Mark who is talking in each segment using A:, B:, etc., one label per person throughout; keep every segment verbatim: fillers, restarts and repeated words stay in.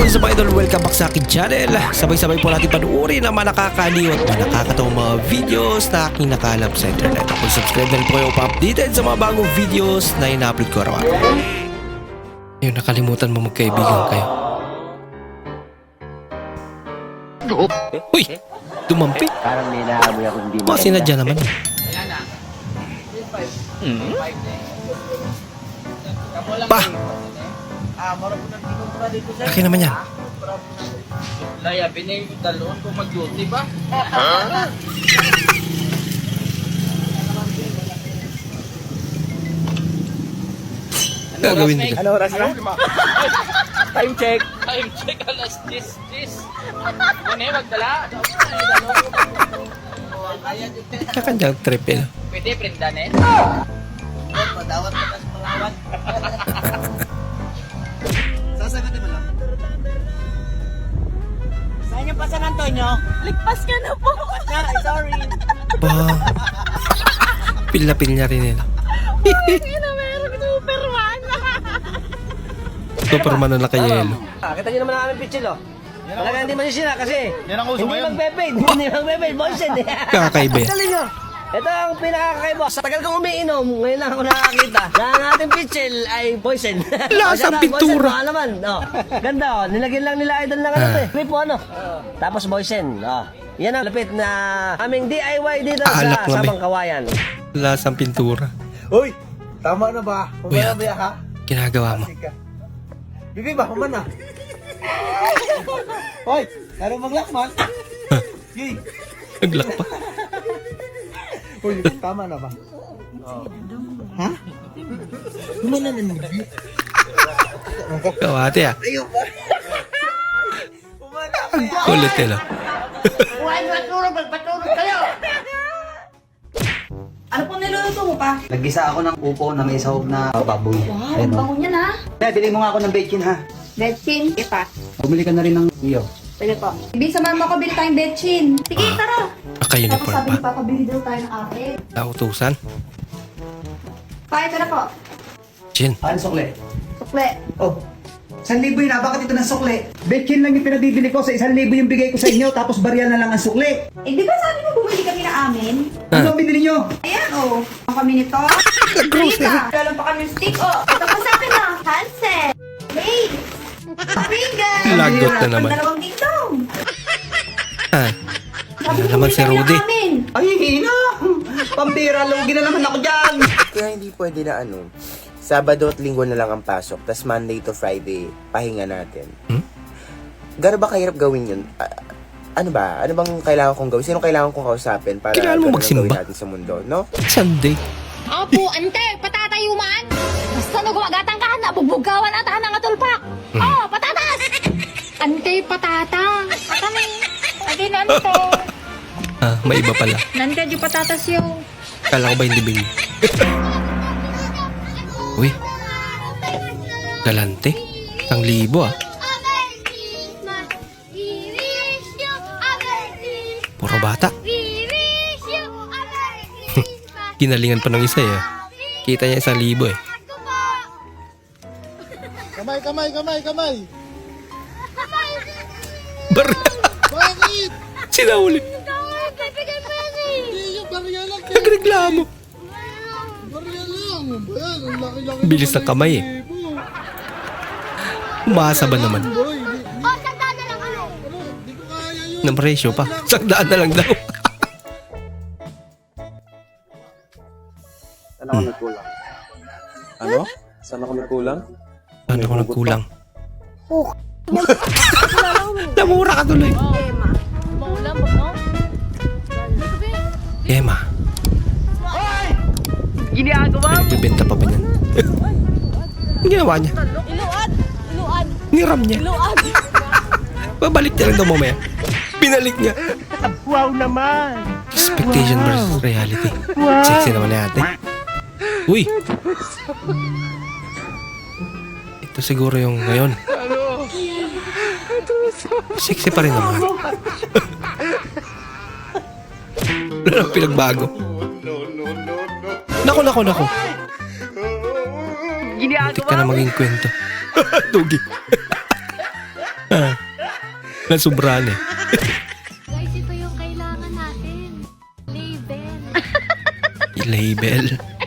A: is up, idol? Welcome back sa akin channel. Sabay-sabay po natin panuorin ang mga nakakaliw at mga nakakatawang mga videos na aking nakalap sa internet. Kung subscribe na rin po kayo pa-updated sa mga bagong videos na ina-upload ko araw. Ayun, nakalimutan mo magkaibigan kayo. Uy! Dumampi!
B: Parang may naamoy ako hindi
A: Mga sinadya naman. Hmm? Pa! Laki naman yan.
C: Laya, binay yung dalon kung mag-duty ba?
A: Gagawin nila.
B: Ano oras na? Time check.
C: Time check, alas diyes, diyes. Ano eh, magdala?
A: Kakandang trip eh.
C: Pwede, prindan eh. Madawat mo na sa malawat. Sasagutin mo lang.
B: Saan yung pa San Antonio?
D: Ligpas ka na po.
B: Ay, sorry.
A: Ba? Pil na pil niya rin nila.
D: Hindi na meron Superman.
A: Superman na nakayelo.
B: Ah, kita nyo naman ang aming pitchil, oh. Talaga hindi masisira kasi hindi magpe-paid. Hindi magpe-paid. Boysen.
A: Kakaiba yan.
B: Dali nyo. Ito ang pinakakaiba. Sa tagal kong umiinom, ngayon lang ako nakakita na ang ating pitchil ay Boysen.
A: Lasang pintura.
B: Boysen, naman. Oh. Ganda, oh. Nilagyan lang nila idol ng ano
A: Ah.
B: eh. Gripo, ano. Tapos Boysen. Oh. Yan ang lapit na aming D I Y dito
A: Alak
B: sa
A: na,
B: Sabang Kawayan.
A: Lasang pintura.
E: Uy! Tama na ba?
A: Uy,
E: Pumaya ka?
A: ginagawa mo.
E: Bibi ba? Humana? Hoy! Laro maglakman? Yay!
A: Naglak pa.
E: Uy, tama na ba? Ha? Humana na naman.
A: Kawate ah.
E: Ayaw ba? Humana ka yan!
A: Kulit nila.
B: Huwag matulog, magpatulog kayo!
D: Ano po niluluto mo pa?
F: Naggisa ako ng upo na may sahog na baboy.
D: Wow,
F: Ayun,
D: ang
F: oh.
D: bango niya na.
F: Kaya, bili mo nga ako ng bacon ha.
D: Betchin. Ipa.
F: Bumili ka na rin ng iyo.
D: Pwede po. Ibig sabihin mo ko bili tayong betchin. Sige, tara. Tapos
A: Naka-uniform
D: sabi
A: pa.
D: ni Papa, bili daw tayo ng apple.
A: Nautusan.
D: Pa, ito na po.
A: Chin.
F: Ano sukle?
D: Sukle.
F: Oh, isang libo yun ha. Bakit ito ng sukle? Bacon lang yung pinabibili ko. Sa isang libo yung bigay ko sa inyo. Tapos barya na lang ang sukle.
D: Eh, di ba sabi mo bumili kami na amin?
F: Ano ang binili nyo?
D: Ayan, oh. Ang kami nito. Rita. Galang pa kami yung stick, oh. Ito pa sa akin, oh. Hansel. Hey. Pringles.
A: Lagot na naman.
D: Dalawang dingdong.
A: Ah.
D: Sabi
A: Ano
D: mo
A: naman
D: bumili
A: si
D: kami ng
A: Rudy?
D: amin.
F: Ay, hina! Pambira, lugi na naman ako dyan!
G: Kaya hindi pwede na ano, Sabado at Linggo na lang ang pasok, tas Monday to Friday, pahinga natin.
A: Hmm?
G: Gano'n ba kahirap gawin yun? Ah, ano ba? Ano bang kailangan kong gawin? Sino kailangan kong kausapin para
A: Kailangan mo
G: ganun ang
A: magsimba.
G: gawin natin sa mundo, no?
A: Sunday.
H: Apo, ante, patatayuman! Basta no gumagatang ka na, bubugawan at ng atulpak!
A: Hmm.
H: Oh, patatas! Ante, patata! Patami! Ante, nante!
A: Ah, may iba pala.
H: Nante, di patatas yung...
A: Kala ko ba hindi bing? Uy. Galante. Isang libo ah. Puro bata. Ginalingan pa ng isa eh. Kita niya isang libo eh.
E: Kamay, kamay, kamay, kamay!
A: Bar...
E: Bakit?
A: Sinaulit.
E: Hindi yung barya lang. eh.
A: Nagreklamo.
E: Barya lang. Ayan, ang laki-laki.
A: Bilis ng kamay eh. Umasa ba naman?
E: Boy, di,
H: Oh, sandaan na lang ano!
E: ano, di ko kaya yun.
A: Ng presyo pa. Sakdaan na lang daw.
I: Saan ako nagkulang? Ano? Saan ako nagkulang?
A: Ano ko nagkulang? Namura ka tuloy.
H: Maulam mo, no?
A: Emma.
B: Ginagawa mo.
A: Nagbibenta pa ba niyan? Ang ginawa niya?
D: Iluad. Iluad.
A: Niram niya.
D: Iluad.
A: Babalik niya lang daw mamaya. Binalik niya.
B: Wow naman.
A: Expectation versus reality. Sexy naman na ate. Uy! Ito siguro yung ngayon. Sexy pa rin naman. Wala nang pinagbago. Nako, nako, nako. Ginagawa. Butik ka na maging kwento. Dugi. Ah. Nasubran eh.
H: Guys, ito yung kailangan natin. Label.
A: Label.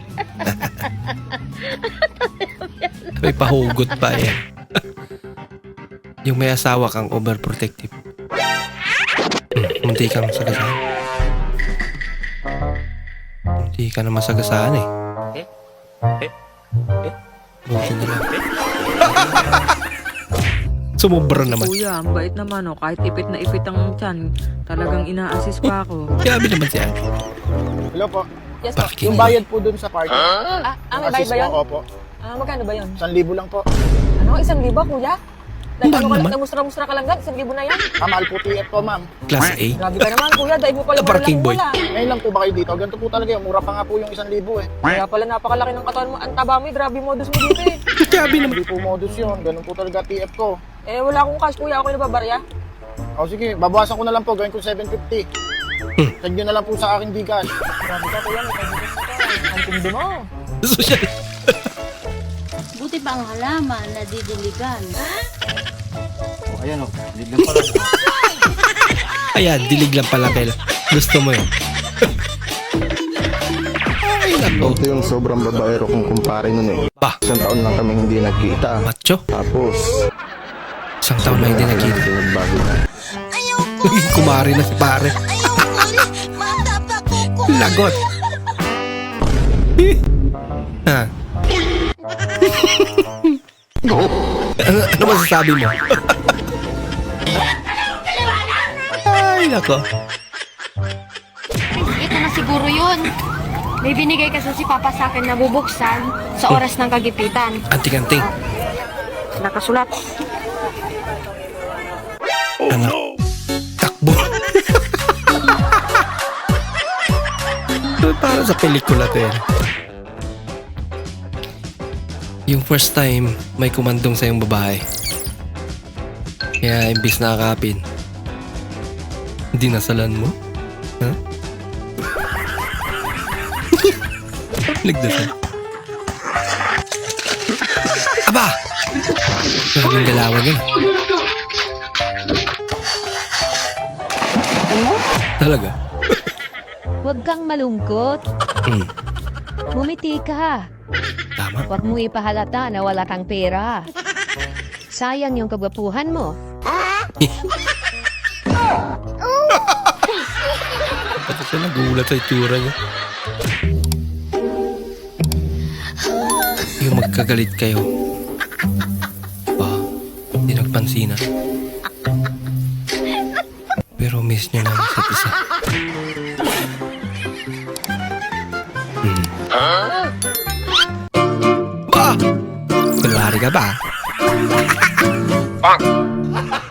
A: May pahugot pa eh. Yung may asawa kang overprotective. Hmm, munti kang masagasaan. Munti ka na masagasaan eh. Buti na lang. Sumubra naman.
J: Kuya, ang bait naman oh. Kahit ipit na ipit ang tiyan, talagang ina-assist pa ako.
A: Grabe naman siya.
C: Hello po.
J: Yes po.
A: Parking
C: Yung bayad po dun sa party.
J: Ah, ah may bayad
C: Assist
J: ba yun?
C: po ako po.
J: Ah, magkano ba yun?
C: Isang libo lang po.
J: Ano? Isang libo, kuya?
A: Ang
J: Dahil
A: mahal
J: ano ka
A: naman.
J: lang, mustra-mustra ka lang gan, isang libo na yan.
C: Ah, mahal po T F po, ma'am.
A: Class A.
J: Grabe ka naman, kuya. Dahil mo pala
A: The parking boy.
J: wala.
C: Ngayon lang po ba kayo dito? Ganito po talaga yun. Mura pa nga po yung isang libo eh.
J: Kaya pala napakalaki ng katawan mo. Ang taba mo, eh. Grabe modus mo dito eh.
A: Grabe naman.
C: Hindi po modus yun. Ganun po talaga T F ko.
J: Eh, wala akong cash, kuya. Ako yung nababarya.
C: O sige, babawasan ko na lang po. Gawin ko seven fifty.
A: Hmm.
C: Tag nyo na lang po sa aking Gcash.
J: Grabe ka, kuya. May kagigas na ka. Ang tindi mo.
A: Social.
H: Buti pa ang halaman na didiligan.
C: Ayan o. Lignan pala.
A: Ayan, dilig lang pala, Bel. Gusto mo yun. Ay, nako.
K: Ito yung sobrang babaero kong kumpare nun eh.
A: Ba,
K: Isang taon lang kami hindi nagkita.
A: macho.
K: Tapos,
A: Isang taon na hindi nagkita.
K: nagbago na.
A: Kumari na si pare. Lagot. Ha? ano, ano masasabi mo? Ay, nako.
H: Ito na siguro yun. May binigay kasi si Papa sa akin na bubuksan sa oras ng kagipitan.
A: Anting-anting.
J: Nakasulat.
A: Ano? Takbo. Para sa pelikula to yan. Yung first time may kumandong sa yung babae. Kaya imbis na akapin, hindi nasalan mo? Ha? Nagdasal. Aba! Grabe yung galawan yun. Talaga?
H: Huwag kang malungkot.
A: Hmm.
H: Mumiti ka.
A: Tama.
H: Huwag mo ipahalata na wala kang pera. Sayang yung kagwapuhan mo.
A: Pati siya nagulat sa itsura niya. Yung magkagalit kayo. Ba, hindi nagpansinan. Pero miss nyo lang isa't isa. Hmm. Ba! Kunwari ka ba?